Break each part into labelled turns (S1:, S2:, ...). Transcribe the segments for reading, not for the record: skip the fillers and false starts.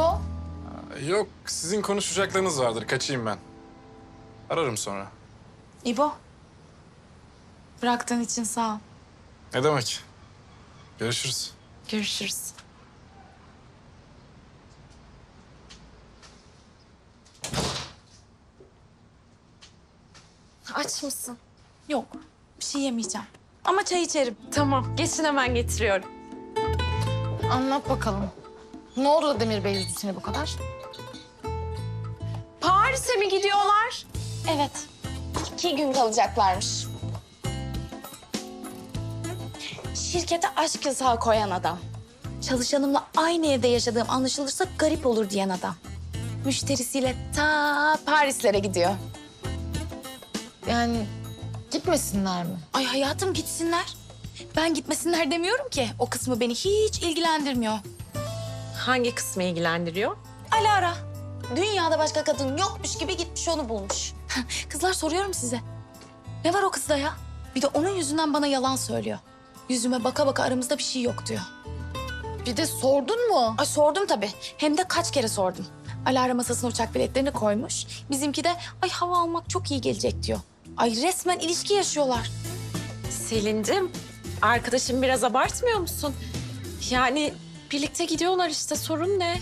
S1: İbo?
S2: Yok, sizin konuşacaklarınız vardır. Kaçayım ben. Ararım sonra.
S1: İbo. Bıraktığın için sağ ol.
S2: Ne demek? Görüşürüz.
S1: Görüşürüz.
S3: Aç mısın?
S1: Yok, bir şey yemeyeceğim. Ama çay içerim.
S3: Tamam, geçin hemen getiriyorum.
S4: Anlat bakalım. Ne oldu da Demir Bey üzdü seni bu kadar?
S3: Paris'e mi gidiyorlar?
S1: Evet.
S3: 2 gün kalacaklarmış.
S1: Şirkete aşk yasağı koyan adam. Çalışanımla aynı evde yaşadığım anlaşılırsa garip olur diyen adam. Müşterisiyle ta Parislere gidiyor.
S4: Yani gitmesinler mi?
S1: Ay hayatım gitsinler. Ben gitmesinler demiyorum ki. O kısmı beni hiç ilgilendirmiyor.
S3: Hangi kısmı ilgilendiriyor?
S1: Alara. Dünyada başka kadın yokmuş gibi gitmiş onu bulmuş. Kızlar soruyorum size. Ne var o kızda ya? Bir de onun yüzünden bana yalan söylüyor. Yüzüme baka baka aramızda bir şey yok diyor.
S4: Bir de sordun mu?
S1: Ay sordum tabii. Hem de kaç kere sordum. Alara masasına uçak biletlerini koymuş. Bizimki de ay hava almak çok iyi gelecek diyor. Ay resmen ilişki yaşıyorlar.
S3: Selin'cim, arkadaşım biraz abartmıyor musun? Yani birlikte gidiyorlar işte, sorun ne?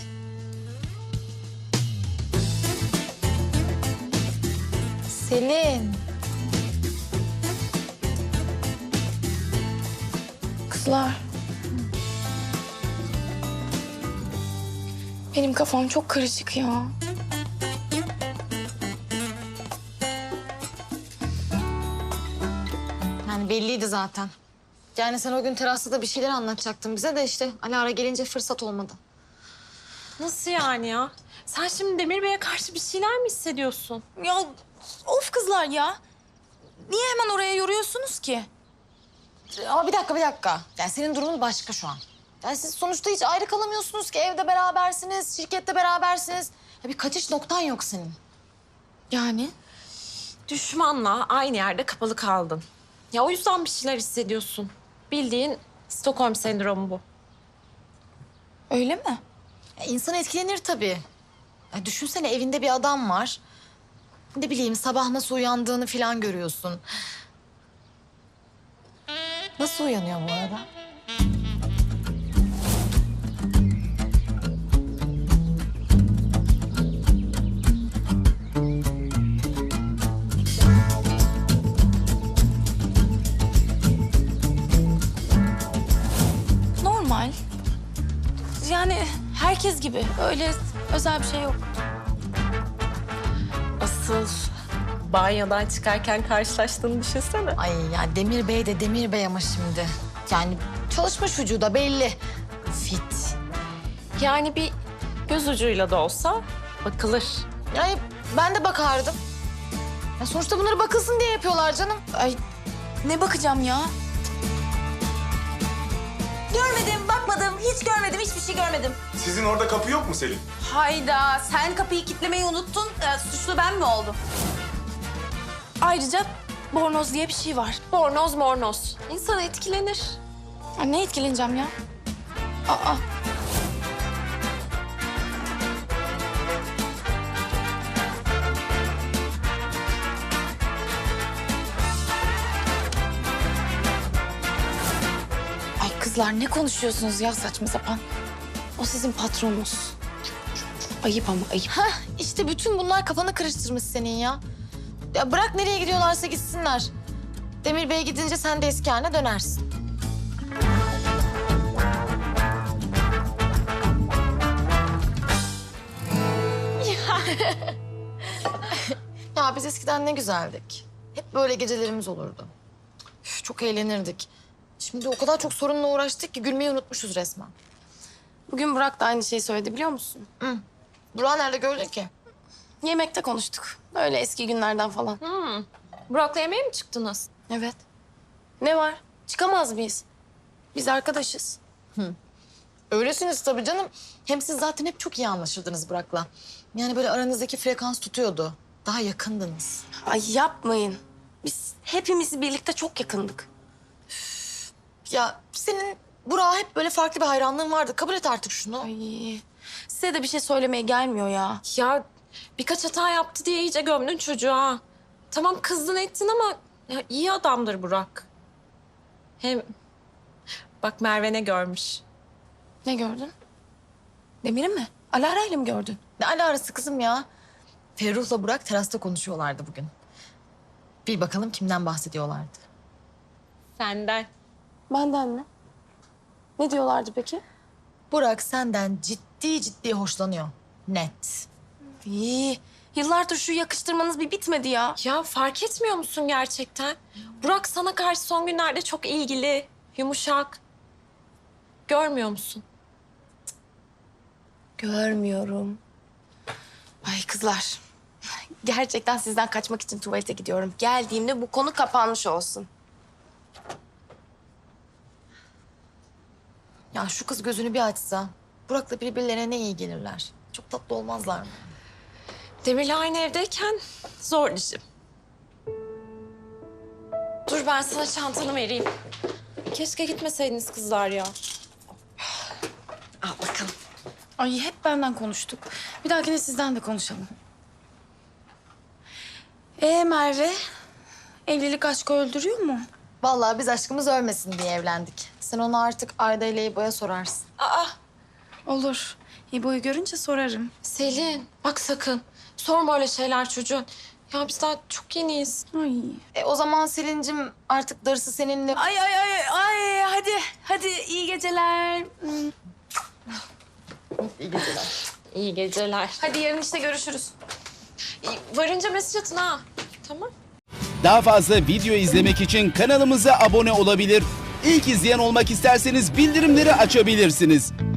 S4: Selin.
S1: Kızlar. Benim kafam çok karışık ya.
S4: Yani belliydi zaten. Yani sen o gün terasta da bir şeyler anlatacaktın bize de işte Alara gelince fırsat olmadı.
S3: Nasıl yani ya? Sen şimdi Demir Bey'e karşı bir şeyler mi hissediyorsun?
S1: Ya of kızlar ya. Niye hemen oraya yoruyorsunuz ki?
S4: Ama bir dakika. Yani senin durumun başka şu an. Yani siz sonuçta hiç ayrı kalamıyorsunuz ki. Evde berabersiniz, şirkette berabersiniz. Ya bir kaçış noktan yok senin.
S1: Yani?
S3: Düşmanla aynı yerde kapalı kaldın. Ya o yüzden bir şeyler hissediyorsun. Bildiğin Stockholm sendromu bu.
S1: Öyle mi?
S4: Ya insan etkilenir tabii. Ya düşünsene evinde bir adam var. Ne bileyim sabah nasıl uyandığını falan görüyorsun. Nasıl uyanıyor bu arada?
S1: Normal. Yani herkes gibi. Öyle özel bir şey yok.
S3: Asıl banyodan çıkarken karşılaştığını düşünsene.
S4: Ay ya Demir Bey de Demir Bey ama şimdi. Yani çalışmış vücuda belli. Fit.
S3: Yani bir göz ucuyla da olsa bakılır.
S4: Yani ben de bakardım. Ya sonuçta bunları bakılsın diye yapıyorlar canım.
S1: Ay ne bakacağım ya? Görmedim, bakmadım, hiç görmedim, hiçbir şey görmedim.
S2: Sizin orada kapı yok mu Selin?
S1: Hayda, sen kapıyı kilitlemeyi unuttun. Suçlu ben mi oldum? Ayrıca bornoz diye bir şey var.
S3: Bornoz mornoz. İnsan etkilenir.
S1: Ya ne etkileneceğim ya? Aa. Ay kızlar ne konuşuyorsunuz ya saçma sapan? O sizin patronunuz. Ayıp ama ayıp.
S4: Heh, işte bütün bunlar kafanı karıştırmış senin ya. Ya bırak nereye gidiyorlarsa gitsinler. Demir Bey gidince sen de eski haline dönersin. Ya biz eskiden ne güzeldik. Hep böyle gecelerimiz olurdu. Üf, çok eğlenirdik. Şimdi o kadar çok sorunla uğraştık ki gülmeyi unutmuşuz resmen.
S1: Bugün Burak da aynı şeyi söyledi biliyor musun?
S4: Burak'ı nerede gördün ki?
S1: Yemekte konuştuk. Öyle eski günlerden falan.
S3: Burak'la yemeğe mi çıktınız?
S1: Evet. Ne var? Çıkamaz mıyız? Biz arkadaşız.
S4: Öylesiniz tabii canım. Hem siz zaten hep çok iyi anlaşırdınız Burak'la. Yani böyle aranızdaki frekans tutuyordu. Daha yakındınız.
S1: Ay yapmayın. Biz hepimiz birlikte çok yakındık.
S4: Ya senin Burak'a hep böyle farklı bir hayranlığın vardı. Kabul et artık şunu.
S1: Ay Size de bir şey söylemeye gelmiyor ya.
S3: Ya birkaç hata yaptı diye iyice gömdün çocuğu ha. Tamam kızdın ettin ama ya, iyi adamdır Burak. Hem bak Merve ne görmüş.
S1: Ne gördün? Demir'i mi? Alara'yla mı gördün?
S4: Ne alakası kızım ya? Ferruh'la Burak terasta konuşuyorlardı bugün. Bir bakalım kimden bahsediyorlardı.
S3: Senden.
S1: Benden mi? Ne diyorlardı peki?
S4: Burak senden ciddi ciddi hoşlanıyor. Net.
S1: İyi. Yıllardır şu yakıştırmanız bir bitmedi ya.
S3: Ya fark etmiyor musun gerçekten? Burak sana karşı son günlerde çok ilgili, yumuşak. Görmüyor musun?
S1: Görmüyorum. Ay kızlar. Gerçekten sizden kaçmak için tuvalete gidiyorum. Geldiğimde bu konu kapanmış olsun.
S4: Ya şu kız gözünü bir açsa. Burak'la birbirlerine ne iyi gelirler. Çok tatlı olmazlar mı?
S3: Demir'le aynı evdeyken zor işim. Dur ben sana çantanı vereyim. Keşke gitmeseydiniz kızlar ya. Al bakalım.
S1: Ay hep benden konuştuk. Bir dahakine sizden de konuşalım. Merve, evlilik aşkı öldürüyor mu?
S4: Vallahi biz aşkımız ölmesin diye evlendik. Sen onu artık Ayda ile İbo'ya sorarsın.
S3: Aa
S1: Olur. İbo'yu görünce sorarım.
S3: Selin bak sakın. Sorma öyle şeyler çocuğun. Ya biz daha çok yeniyiz.
S1: Ay.
S4: O zaman Selin'cim artık darısı seninle.
S1: Ay, hadi iyi geceler.
S4: İyi geceler.
S3: İyi geceler.
S1: Hadi yarın işte görüşürüz.
S3: Varınca mesaj atın ha. Tamam.
S5: Daha fazla video izlemek için kanalımıza abone olabilir. İlk izleyen olmak isterseniz bildirimleri açabilirsiniz.